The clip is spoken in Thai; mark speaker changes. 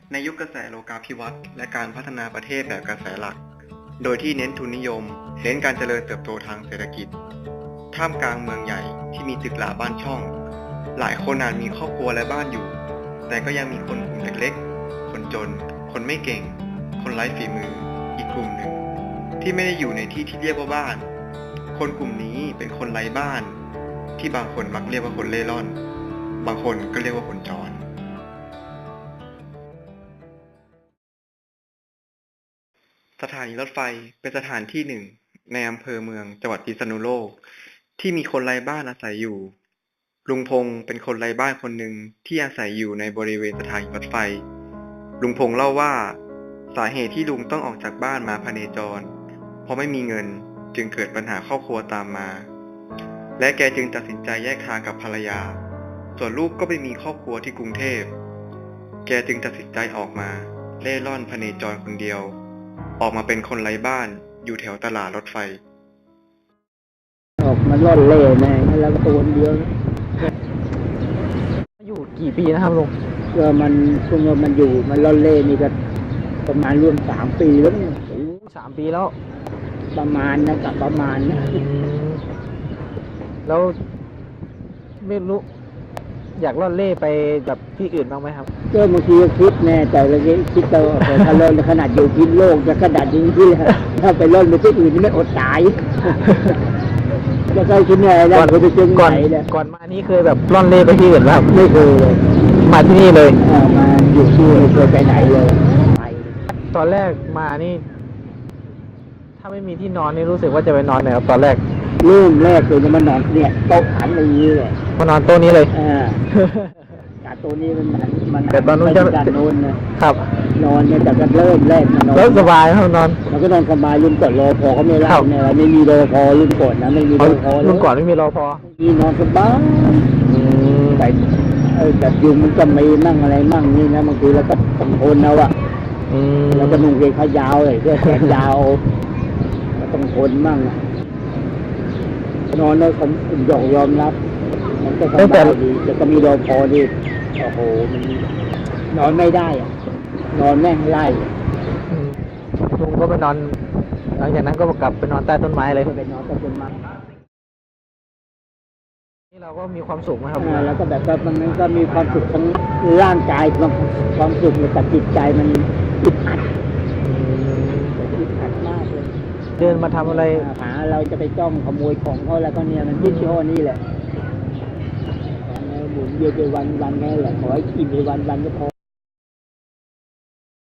Speaker 1: ในยุคกระแสโลกาภิวัตน์และการพัฒนาประเทศแบบกระแสหลัก โดยที่เน้นทุนนิยม เน้นการเจริญเติบโตทางเศรษฐกิจ ท่ามกลางเมืองใหญ่ที่มีตึกหราบ้านช่อง หลายคนอาจมีครอบครัวและบ้านอยู่ แต่ก็ยังมีคนกลุ่มเล็กๆ คนจน คนไม่เก่ง คนไร้ฝีมือ อีกกลุ่มหนึ่ง ที่ไม่ได้อยู่ในที่ที่เรียกว่าบ้าน คนกลุ่มนี้เป็นคนไร้บ้าน ที่บางคนมักเรียกว่าคนเล่ร่อน บางคนก็เรียกว่าคนจร สถานีรถไฟเป็นสถานที่หนึ่งในอำเภอเมืองจังหวัดพิษณุโลกที่มีคนไร้บ้านอาศัยอยู่ ลุงพงษ์เป็นคนไร้บ้านคนหนึ่งที่อาศัยอยู่ในบริเวณสถานีรถไฟ ลุงพงษ์เล่าว่าสาเหตุที่ลุงต้องออกจากบ้านมาพเนจรเพราะไม่มีเงินจึงเกิดปัญหาครอบครัวตามมา และแกจึงตัดสินใจแยกทางกับภรรยา ส่วนลูกก็ไปมีครอบครัวที่กรุงเทพ แกจึงตัดสินใจออกมาเล่ร่อนพเนจรคนเดียวออกมาเป็นคนไร้บ้านอยู่แถวตลาดรถไฟ
Speaker 2: ออกมาล่อนเล่แม่แล้วก็ตัวเดียว
Speaker 3: อยู่กี่ปีนะครับลุง
Speaker 2: ก็มันช่วงมันอยู่มันล่อนเล่นี่ก็ประมาณร่วม3 ปีแล้วมั้ง
Speaker 3: 3 ปีแล้ว
Speaker 2: ประมาณนะกับประมาณนะ
Speaker 3: แล้วไม่รู้อยากล่อนเล่ไปแบบที่อื่นบ้างไหมครับ
Speaker 2: ก็บางทีก็คิดแน่แต่ละทีคิดแต่ถ้าล่อนขนาดอยู่พิษโลกจะขนาดยิงที่ถ้าไปล่อนไปที่อื่นนี่ไม่อดตายจะเคยคิดไงแล้วเคยไปเจอก่
Speaker 3: อนมานี้เคยแบบล่อนเล่ไปที่อื่นไหมครับ
Speaker 2: ไม่เคยเลย
Speaker 3: มาที่นี่เลย
Speaker 2: มาอยู่ที่ไม่เคยไปไหนเลย
Speaker 3: ตอนแรกมานี่ถ้าไม่มีที่นอนนี่รู้สึกว่าจะไปนอนไหนครับตอนแรก
Speaker 2: เริ่มแรกเลยจะมานอนเนี่ยโต๊ะหันอย่างนี้เลย
Speaker 3: มานอนโต๊ะนี้เลย
Speaker 2: จากโต๊ะนี้มัน
Speaker 3: แต่ตอนนู้นจะ
Speaker 2: นอนนะครับนอนเนี่ยแต่ก็เริ่มแรกมานอน
Speaker 3: แล้วสบายครับนอน
Speaker 2: มันก็นอนสบายรุ่นก่อนรอพอก็ไม่ได้เนี่ยไม่มีรอพอรุ่นก่อนนะไม่มีรอพอ
Speaker 3: รุ่นก่อนไม่มีรอพอ
Speaker 2: มีนอนสบายแต่ยุงมันก็มีมั่งอะไรมั่งนี่นะบางทีเราก็ต้องทนเอาอะแล้วก็นุ่งเกงขายาวเลยเสื้อแขนยาวก็ต้องทนมั่งนอนแล้วผมยอมรับมันก็สบายดีแต่ก็มีรอพอดีโอ้โหมันนอนไม่ได้อะนอนแม่งไล่
Speaker 3: ลุงก็ไปนอนหลังจากนั้นก็กลับไปนอนใต้ต้นไม้เลย
Speaker 2: ไปนอนใต้ต้นไม้
Speaker 3: นี่เราก็มีความสุขไหมครับ
Speaker 2: แล้วก็แบบว่ามันก็มีความสุขทั้งร่างกายความสุขแต่จิตใจมันอึดอัดมากเลย
Speaker 3: เดินมาทำอะไร
Speaker 2: หาเราจะไปจ้องขโมยของเขาแล้วก็เนี่ยมันยึดช่อนี่แหละหมุนเวียนไปวันแค่แหละขอให้อิ่มไปวันก็พอ